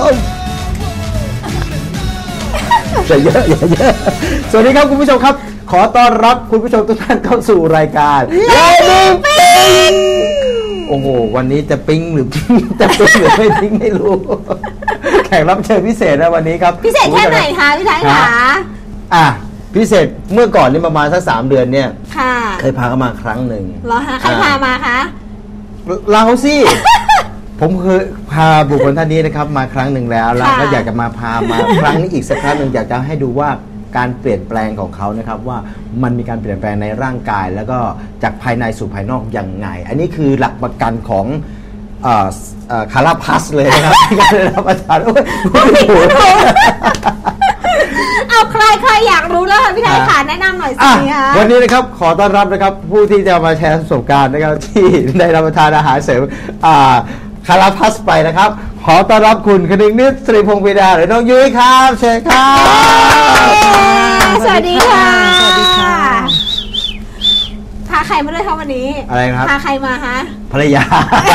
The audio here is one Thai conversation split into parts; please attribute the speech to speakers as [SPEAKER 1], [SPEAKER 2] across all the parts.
[SPEAKER 1] มอย่าเยอะสวัสดีครับคุณผู้ชมครับขอต้อนรับคุณผู้ชมทุกท่านเข้าสู่รายการเลดี้ปิ๊งโอ้โหวันนี้จะปิ๊งหรือจะปิ๊งหรือไม่ปิ๊งไม่รู้แขกรับเชิญพิเศษนะวันนี้ครับ
[SPEAKER 2] พิเศษแค่ไหนคะพี่ไทยคะ
[SPEAKER 1] พิเศษเมื่อก่อนนี่ประมาณสัก3 เดือนเนี่ยเคยพาเขามาครั้งหนึ่ง
[SPEAKER 2] เหรอคะใครพามาคะ
[SPEAKER 1] เราสิผมเคยพาบุคคลท่านนี้นะครับมาครั้งหนึ่งแล้วก็อยากจะมาพามาครั้งนี้อีกสักครั้งหนึ่งอยากจะให้ดูว่าการเปลี่ยนแปลงของเขานะครับว่ามันมีการเปลี่ยนแปลงในร่างกายแล้วก็จากภายในสู่ภายนอกยังไงอันนี้คือหลักประกันของคาราพัสเลยนะครับที่การรับประทาน
[SPEAKER 2] เอาใครอยากรู้แล้วพี่ไทยค่ะแนะนำหน่อยสิคะ
[SPEAKER 1] วันนี้นะครับขอต้อนรับนะครับผู้ที่จะมาแชร์ประสบการณ์นะครับที่ได้รับประทานอาหารเสริมคาราพัสไปนะครับขอต้อนรับคุณคณิงนิดศรีพงศ์ปิดาหรือน้องยุ้ยครับเชิญครับ
[SPEAKER 2] สวัสดีค่ะสวัสดีค่ะพาใครมาด้วยคะวันนี้
[SPEAKER 1] อะไรครับ
[SPEAKER 2] พาใครมาคะ
[SPEAKER 1] ภรรยา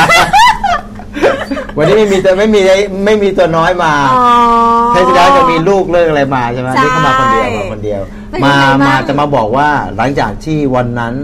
[SPEAKER 1] วันนี้ไม่มีตัวน้อยมาเทศกาลจะมีลูกเรื่องอะไรมาใช่ไหมนี่เขามาคนเดียวมาจะมาบอกว่าหลังจากที่วันนั้น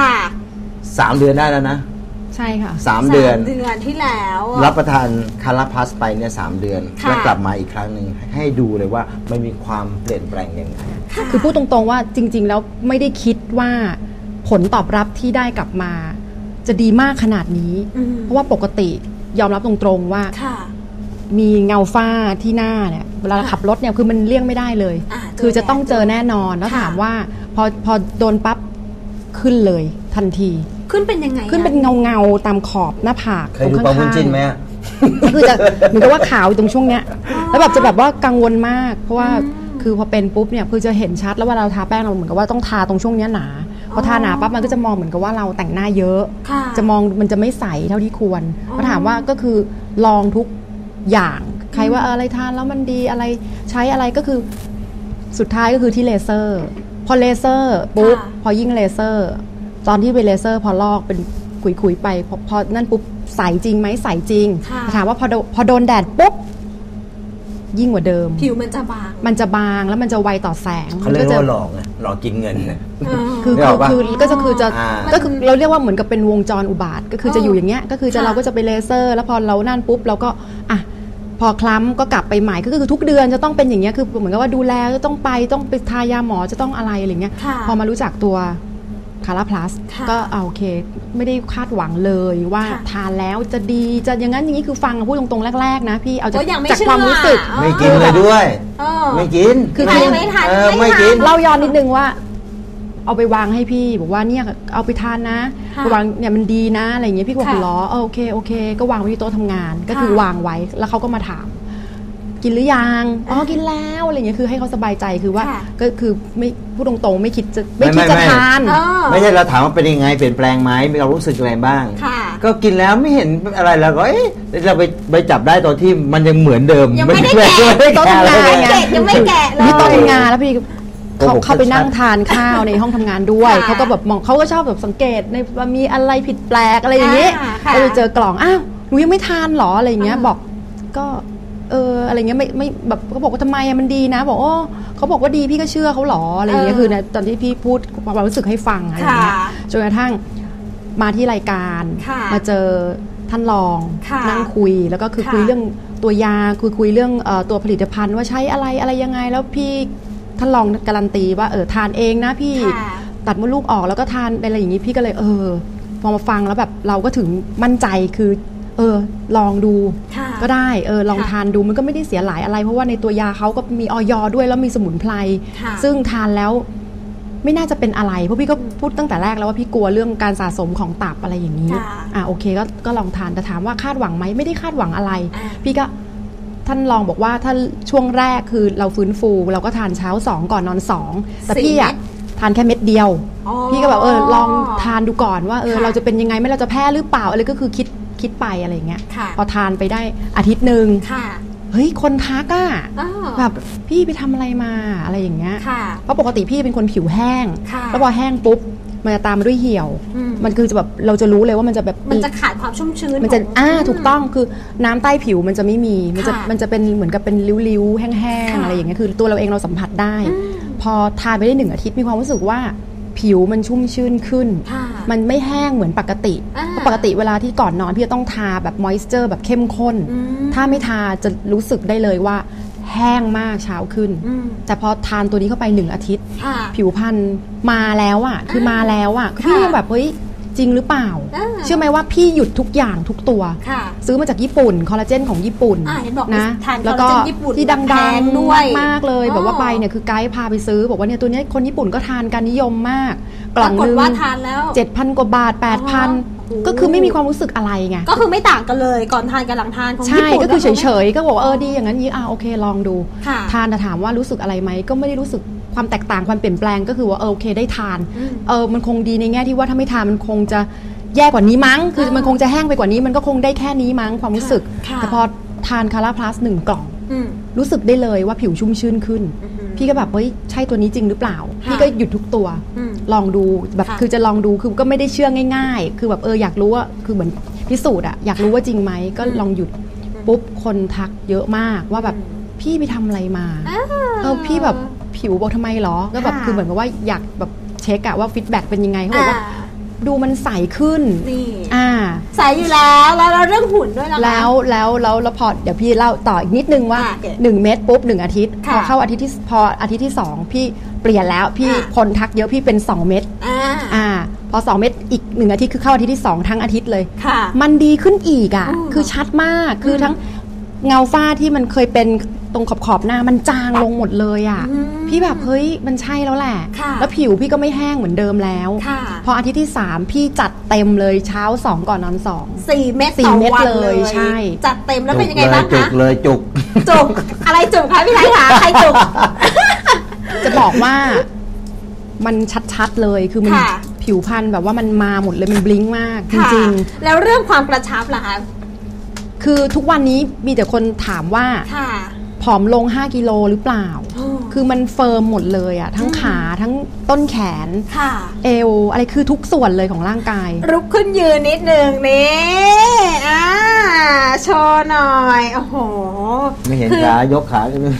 [SPEAKER 1] 3 เดือนได้แล้วนะ
[SPEAKER 3] ใช่ค่ะ
[SPEAKER 1] 3 เดือน
[SPEAKER 2] ที่แล้ว
[SPEAKER 1] รับประทานคาราพัสไปเนี่ย3 เดือนแล้วกลับมาอีกครั้งหนึ่งให้ดูเลยว่ามันมีความเปลี่ยนแปลงยังไง
[SPEAKER 3] คือพูดตรงๆว่าจริงๆแล้วไม่ได้คิดว่าผลตอบรับที่ได้กลับมาจะดีมากขนาดนี้เพราะว่าปกติยอมรับตรงๆว่ามีเงาฝ้าที่หน้าเนี่ยเวลาขับรถเนี่ยคือมันเลี่ยงไม่ได้เลยคือจะต้องเจอแน่นอนแล้วถามว่าพอโดนปั๊บขึ้นเลยทันที
[SPEAKER 2] ขึ้นเป็นยังไง
[SPEAKER 3] ขึ้นเป็นเงาตามขอบหน้าผาก
[SPEAKER 1] เคยดูปลาบุญจิ้นไหม
[SPEAKER 3] คือจะเหมือนกับว่าขาวตรงช่วงเนี้ยแล้วแบบจะแบบว่ากังวลมากเพราะว่าคือพอเป็นปุ๊บเนี่ยคือจะเห็นชัดแล้วว่าเราทาแป้งเราเหมือนกับว่าต้องทาตรงช่วงเนี้ยหนาพอทาหนาปั๊บมันก็จะมองเหมือนกับว่าเราแต่งหน้าเยอะจะมองมันจะไม่ใสเท่าที่ควรพอถามว่าก็คือลองทุกอย่างใครว่าอะไรทานแล้วมันดีอะไรใช้อะไรก็คือสุดท้ายก็คือที่เลเซอร์พอเลเซอร์ปุ๊บพอยิ่งเลเซอร์ตอนที่ไปเลเซอร์พอลอกเป็นขุยๆไปพอนั่นปุ๊บใสจริงไหมใสจริงถามว่าพอโดนแดดปุ๊บยิ่งกว่าเดิม
[SPEAKER 2] ผิวมันจะบ
[SPEAKER 3] างแล้วมันจะไวต่อแสง
[SPEAKER 1] เขาเรียกว่าหลอกไงหลอกกินเงินเนี่ย
[SPEAKER 3] คือเราเรียกว่าเหมือนกับเป็นวงจรอุบาทก็คือจะอยู่อย่างเงี้ยก็คือเราก็จะไปเลเซอร์แล้วพอเรานั่นปุ๊บเราก็พอคล้ำก็กลับไปใหม่ก็คือทุกเดือนจะต้องเป็นอย่างเงี้ยคือเหมือนกับว่าดูแลต้องไปทายาหมอจะต้องอะไรเงี้ยพอมารู้จักตัวคาราพลัสก็โอเคไม่ได้คาดหวังเลยว่าทานแล้วจะดีจะอย่างนั้นอย่างนี้คือฟังพูดตรงๆแรกๆนะพี่เอาจากความรู้สึก
[SPEAKER 1] ไม่กินเลยด้วยไม่กิน
[SPEAKER 2] คือไม่ทาน
[SPEAKER 1] ไม่กิน
[SPEAKER 3] เล่าย้อนนิดนึงว่าเอาไปวางให้พี่บอกว่าเนี่ยเอาไปทานนะวางเนี่ยมันดีนะอะไรอย่างเงี้ยพี่ก็บอกล้อโอเคก็วางไว้ที่โต๊ะทำงานก็คือวางไว้แล้วเขาก็มาถามกินหรือยังกินแล้วอะไรเงี้ยคือให้เขาสบายใจคือว่าก็คือไม่พูดตรงๆไม่คิดจะทาน
[SPEAKER 1] ไม่ใช่เราถามว่าเป็นยังไงเปลี่ยนแปลงไหมมีเรารู้สึกอะไรบ้างก็กินแล้วไม่เห็นอะไรแล้วก็เราไปจับได้ตอนที่มันยังเหมือนเดิม
[SPEAKER 2] ยังไม่ได้แกะโต๊ะทำงานยังไม่แกะเลย
[SPEAKER 3] ที่โต๊ะทำงานแล้วพี่เขาไปนั่งทานข้าวในห้องทำงานด้วยเขาก็แบบมองเขาก็ชอบแบบสังเกตในว่ามีอะไรผิดแปลกอะไรอย่างเงี้ยก็เลยเจอกล่องหนูยังไม่ทานหรออะไรอย่างเงี้ยบอกก็อะไรเงี้ยไม่แบบเขาบอกว่าทำไมมันดีนะบอกเขาบอกว่าดีพี่ก็เชื่อเขาหรออะไรอย่างเงี้ยคือตอนที่พี่พูดความรู้สึกให้ฟังอะไรอย่างเงี้ยจนกระทั่งมาที่รายการมาเจอท่านรองนั่งคุยแล้วก็คือคุยเรื่องตัวยาคุยเรื่องตัวผลิตภัณฑ์ว่าใช้อะไรยังไงแล้วพี่ท่านรองการันตีว่าทานเองนะพี่ตัดมดลูกออกแล้วก็ทานอะไรอย่างงี้พี่ก็เลยพอมาฟังแล้วแบบเราก็ถึงมั่นใจคือลองดูก็ได้ลองทานดูมันก็ไม่ได้เสียหลายอะไรเพราะว่าในตัวยาเขาก็มีอย.ด้วยแล้วมีสมุนไพรซึ่งทานแล้วไม่น่าจะเป็นอะไรเพราะพี่ก็พูดตั้งแต่แรกแล้วว่าพี่กลัวเรื่องการสะสมของตับอะไรอย่างนี้โอเคก็ลองทานแต่ถามว่าคาดหวังไหมไม่ได้คาดหวังอะไรพี่ก็ท่านลองบอกว่าถ้าช่วงแรกคือเราฟื้นฟูเราก็ทานเช้า2ก่อนนอน2แต่พี่ทานแค่เม็ดเดียวพี่ก็แบบลองทานดูก่อนว่าเราจะเป็นยังไงไม่เราจะแพ้หรือเปล่าอะไรก็คือคิดไปอะไรเงี้ยพอทานไปได้อาทิตย์นึงเฮ้ยคนทักแบบพี่ไปทำอะไรมาอะไรอย่างเงี้ยเพราะปกติพี่เป็นคนผิวแห้งแล้วพอแห้งปุ๊บมันจะตามมาด้วยเหี่ยวมันคือจะแบบเราจะรู้เลยว่ามันจะแบบ
[SPEAKER 2] มันจะขาดความชุ่มชื้น
[SPEAKER 3] มันจะถูกต้องคือน้ำใต้ผิวมันจะไม่มีมันจะเป็นเหมือนกับเป็นริ้วๆแห้งๆอะไรอย่างเงี้ยคือตัวเราเองเราสัมผัสได้พอทานไปได้1 อาทิตย์มีความรู้สึกว่าผิวมันชุ่มชื้นขึ้นมันไม่แห้งเหมือนปกติเพราะปกติเวลาที่ก่อนนอนพี่จะต้องทาแบบมอยส์เจอร์แบบเข้มข้นถ้าไม่ทาจะรู้สึกได้เลยว่าแห้งมากเช้าขึ้นแต่พอทานตัวนี้เข้าไป1 อาทิตย์ผิวพรรณมาแล้วอ่ะคือมาแล้วอ่ะพี่ยังแบบเฮ้ยจริงหรือเปล่าเชื่อไหมว่าพี่หยุดทุกอย่างทุกตัวซื้อมาจากญี่ปุ่นคอลลาเจนของญี่ปุ่นนะแล้วก็ที่ดังๆด้วยมากเลยแบบว่าไปเนี่ยคือไกด์พาไปซื้อบอกว่าเนี่ยตัวนี้คนญี่ปุ่นก็ทานกันนิยมมากกล่องนึง7,000 กว่าบาท 8,000 ก็คือไม่มีความรู้สึกอะไรไง
[SPEAKER 2] ก็คือไม่ต่างกันเลยก่อนทานกับหลังทานของญี่ปุ่น
[SPEAKER 3] ใช่ก็คือเฉยๆก็บอกดีอย่างนั้นโอเคลองดูทานแต่ถามว่ารู้สึกอะไรไหมก็ไม่ได้รู้สึกความแตกต่างความเปลี่ยนแปลงก็คือว่าโอเคได้ทานมันคงดีในแง่ที่ว่าถ้าไม่ทานมันคงจะแย่กว่านี้มั้งคือมันคงจะแห้งไปกว่านี้มันก็คงได้แค่นี้มั้งความรู้สึกแต่พอทานคาราพลัส1 กล่องรู้สึกได้เลยว่าผิวชุ่มชื่นขึ้นพี่ก็แบบเฮ้ยใช่ตัวนี้จริงหรือเปล่าพี่ก็หยุดทุกตัวลองดูแบบคือจะลองดูคือก็ไม่ได้เชื่อง่ายๆคือแบบอยากรู้ว่าคือเหมือนพิสูจน์อยากรู้ว่าจริงไหมก็ลองหยุดปุ๊บคนทักเยอะมากว่าแบบพี่ไปทำอะไรมาพี่แบบผิวบอกทำไมหรอก็แบบคือเหมือนกับว่าอยากแบบเช็คว่าฟีดแบ็กเป็นยังไงเขาบอกว่าดูมันใสขึ้น
[SPEAKER 2] ใสอยู่แล้วเราเรื่องหุ่นด้วยนะคะ
[SPEAKER 3] แล้วพอเดี๋ยวพี่เล่าต่ออีกนิดนึงว่า1 เม็ดปุ๊บ1 อาทิตย์พอเข้าอาทิตย์ที่2พี่เปลี่ยนแล้วพี่คนทักเยอะพี่เป็น2 เม็ดพอ2 เม็ดอีก1 อาทิตย์คือเข้าอาทิตย์ที่2ทั้งอาทิตย์เลยมันดีขึ้นอีกคือชัดมากคือทั้งเงาฝ้าที่มันเคยเป็นตรงขอบหน้ามันจางลงหมดเลยพี่แบบเฮ้ยมันใช่แล้วแหละแล้วผิวพี่ก็ไม่แห้งเหมือนเดิมแล้วพออาทิตย์ที่3พี่จัดเต็มเลยเช้า2ก่อนนอน2
[SPEAKER 2] 4 เม็ดต่อวันเลยใช่จัดเต็มแล้วเป็นยังไงบ้างคะ
[SPEAKER 1] จุกเลยจุก
[SPEAKER 2] อะไรจุกคะพี่ไทยคะใครจุก
[SPEAKER 3] จะบอกว่ามันชัดๆเลยคือมันผิวพรรณแบบว่ามันมาหมดเลยมันบลิงก์มากจริง
[SPEAKER 2] ๆแล้วเรื่องความกระชับล่ะคะ
[SPEAKER 3] คือทุกวันนี้มีแต่คนถามว่าผอมลง5 กิโลหรือเปล่าคือมันเฟิร์มหมดเลยทั้งขาทั้งต้นแขนเอวอะไรคือทุกส่วนเลยของร่างกาย
[SPEAKER 2] ลุกขึ้นยืนนิดนึงนี่โชว์หน่อยโอ้โห
[SPEAKER 1] ไม่เห็นขายกขาเลย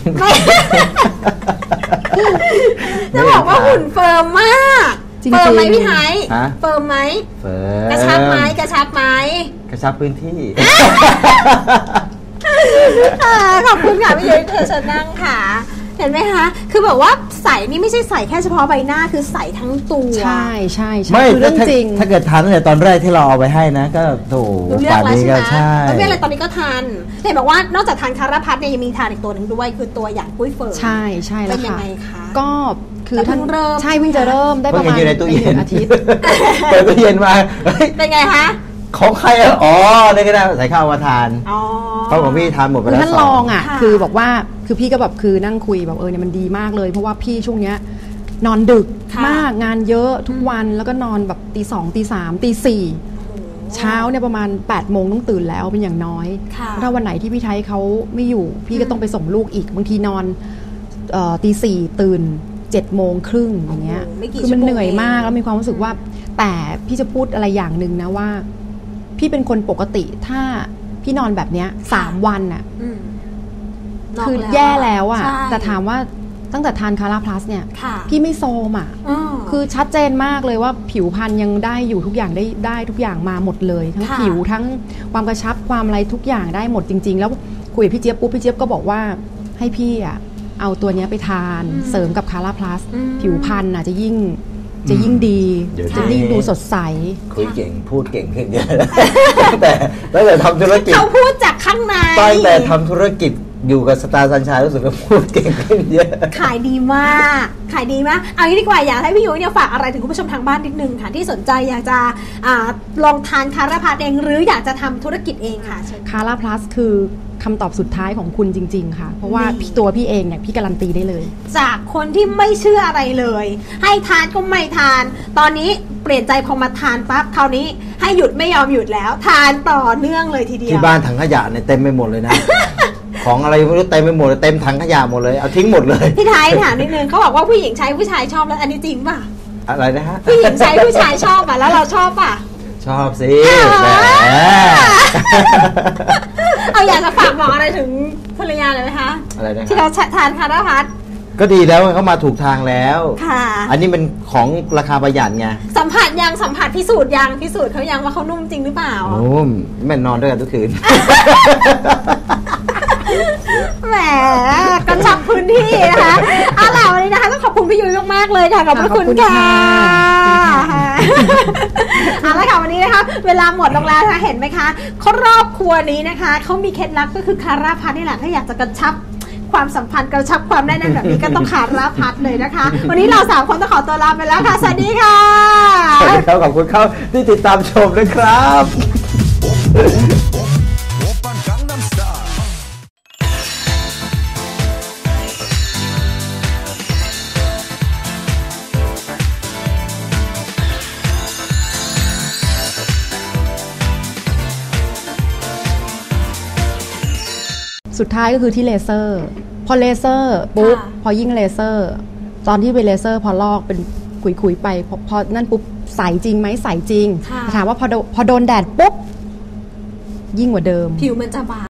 [SPEAKER 2] จะบอกว่าหุ่นเฟิร์มมากเฟิร์มไหมพี่ไทยเฟิร์มไหมกระชับไหมกระชับไหม
[SPEAKER 1] กระชับพื้นที่
[SPEAKER 2] ขอบคุณค่ะพี่ยุ้ยเธอเชิญนั่งค่ะเห็นไหมคะคือแบบว่าใส่นี่ไม่ใช่ใส่แค่เฉพาะใบหน้าคือใส่ทั้งตัว
[SPEAKER 3] ใช่
[SPEAKER 1] ไม่เรื่องจริงถ้าเกิดทานตั้งแต่ตอนแรกที่เราเอาไปให้นะก็โถป่านนี้ก็ใช่
[SPEAKER 2] ไม่อะไรตอนนี้ก็ทานเห็นบอกว่านอกจากทานคาราพัทเนี่ยยังมีทานอีกตัวหนึ่งด้วยคือตัวอย่างกุ้ยเฟิร์ม
[SPEAKER 3] ใช่แล้วค่ะ
[SPEAKER 2] เป็นยังไงคะ
[SPEAKER 3] ก็คือท่านใช่เพิ่งจะเริ่มได้ประมาณ
[SPEAKER 1] 1
[SPEAKER 3] อาทิตย์
[SPEAKER 1] เปิดตู้เย็นมา
[SPEAKER 2] เป็นไงคะ
[SPEAKER 1] ของใครได้ก็ได้ใส่ข้าวมาทานเพราะของพี่ทานหมดไปแล้ว
[SPEAKER 3] ท่านลองคือบอกว่าคือพี่ก็แบบคือนั่งคุยแบบเนี่ยมันดีมากเลยเพราะว่าพี่ช่วงเนี้ยนอนดึกมากงานเยอะทุกวันแล้วก็นอนแบบตี 2 ตี 3 ตี 4เช้าเนี่ยประมาณ8 โมงต้องตื่นแล้วเป็นอย่างน้อยถ้าวันไหนที่พี่ไทยเขาไม่อยู่พี่ก็ต้องไปส่งลูกอีกบางทีนอนตี 4ตื่น7 โมงครึ่งอย่างเงี้ยคือมันเหนื่อยมากแล้วมีความรู้สึกว่าแต่พี่จะพูดอะไรอย่างหนึ่งนะว่าพี่เป็นคนปกติถ้าพี่นอนแบบเนี้ย3 วันคือแย่แล้วแต่ถามว่าตั้งแต่ทานคาราพลัสเนี่ยพี่ไม่โซมคือชัดเจนมากเลยว่าผิวพรรณยังได้อยู่ทุกอย่างได้ทุกอย่างมาหมดเลยทั้งผิวทั้งความกระชับความอะไรทุกอย่างได้หมดจริงๆแล้วคุยกับพี่เจี๊ยบปุ๊บพี่เจี๊ยบก็บอกว่าให้พี่เอาตัวนี้ไปทานเสริมกับคาราพลัสผิวพรรณจะยิ่งดีจะยิ่งดูสดใส
[SPEAKER 1] คุยเก่งพูดเก่งขึ้นเยอะแต่ตั้งแต่ทำธุรกิจ
[SPEAKER 2] เขาพูดจากข้างใน
[SPEAKER 1] ตั้งแต่ทำธุรกิจอยู่กับสตาร์สัญชัยรู้สึกว่าพูดเก่งขึ้นเยอะ
[SPEAKER 2] ขายดีมากเอางี้ดีกว่าอยากให้พี่ยุ้ยเนี่ยฝากอะไรถึงคุณผู้ชมทางบ้านนิดนึงค่ะที่สนใจอยากจะลองทานคาราพลัสเองหรืออยากจะทำธุรกิจเองค่ะ
[SPEAKER 3] คาราพลัสคือคำตอบสุดท้ายของคุณจริงๆค่ะเพราะว่าตัวพี่เองเนี่ยพี่การันตีได้เลย
[SPEAKER 2] จากคนที่ไม่เชื่ออะไรเลยให้ทานก็ไม่ทานตอนนี้เปลี่ยนใจพอมาทานปั๊บคราวนี้ให้หยุดไม่ยอมหยุดแล้วทานต่อเนื่องเลยทีเดียว
[SPEAKER 1] ที่บ้านถังขยะเนี่ยเต็มไปหมดเลยนะ ของอะไรไม่รู้เต็มไปหมดเลยเต็มถังขยะหมดเลยเอาทิ้งหมดเลย
[SPEAKER 2] พี่ไทยถามนิดนึงเขาบอกว่าผู้หญิงใช้ผู้ชายชอบแล้วอันนี้จริงป่ะ
[SPEAKER 1] อะไรนะฮะ
[SPEAKER 2] ผู้หญิงใช้ผู้ชายชอบอ่ะแล้วเราชอบอ่ะ
[SPEAKER 1] ชอบสิแหม
[SPEAKER 2] เอาอยากจะฝากบอกอะไรถึงภรรยาเลยไหมคะ
[SPEAKER 1] อะไรนะ
[SPEAKER 2] ที่
[SPEAKER 1] ครั
[SPEAKER 2] เขา
[SPEAKER 1] บ
[SPEAKER 2] ทานคาราพัส
[SPEAKER 1] ก็ดีแล้วเขามาถูกทางแล้ว
[SPEAKER 2] ค่ะ
[SPEAKER 1] อันนี้มันของราคาประหยัดไง
[SPEAKER 2] สัมผัสพิสูจน์เขายังว่าเขานุ่มจริงหรือเปล่า
[SPEAKER 1] นุ่มแม่นอนด้วยกันทุกคืน
[SPEAKER 2] แหมกระชับพื้นที่นะคะเอาล่ะวันนี้นะคะต้องขอบคุณพี่ยุ้ยมากๆเลยค่ะขอบพระคุณค่ะเอาละค่ะวันนี้นะคะเวลาหมดลงแล้วนะคะเห็นไหมคะครอบครัวนี้นะคะเขามีเคล็ดลับก็คือคาราพัสนี่แหละถ้าอยากจะกระชับความสัมพันธ์กระชับความแน่นแบบนี้ก็ต้องคาราพัสเลยนะคะวันนี้เรา3คนต้องขอตัวลาไปแล้วค่ะสวัสดีค่ะ
[SPEAKER 1] สวัสดีครับขอบคุณครับที่ติดตามชมนะครับ
[SPEAKER 3] สุดท้ายก็คือที่เลเซอร์พอเลเซอร์ปุ๊บพอยิ่งเลเซอร์ตอนที่ไปเลเซอร์พอลอกเป็นขุยๆไปพอนั่นปุ๊บใสจริงไหมใสจริงถามว่าพอโดนแดดปุ๊บยิ่งกว่าเดิม
[SPEAKER 2] ผิวมันจะบาง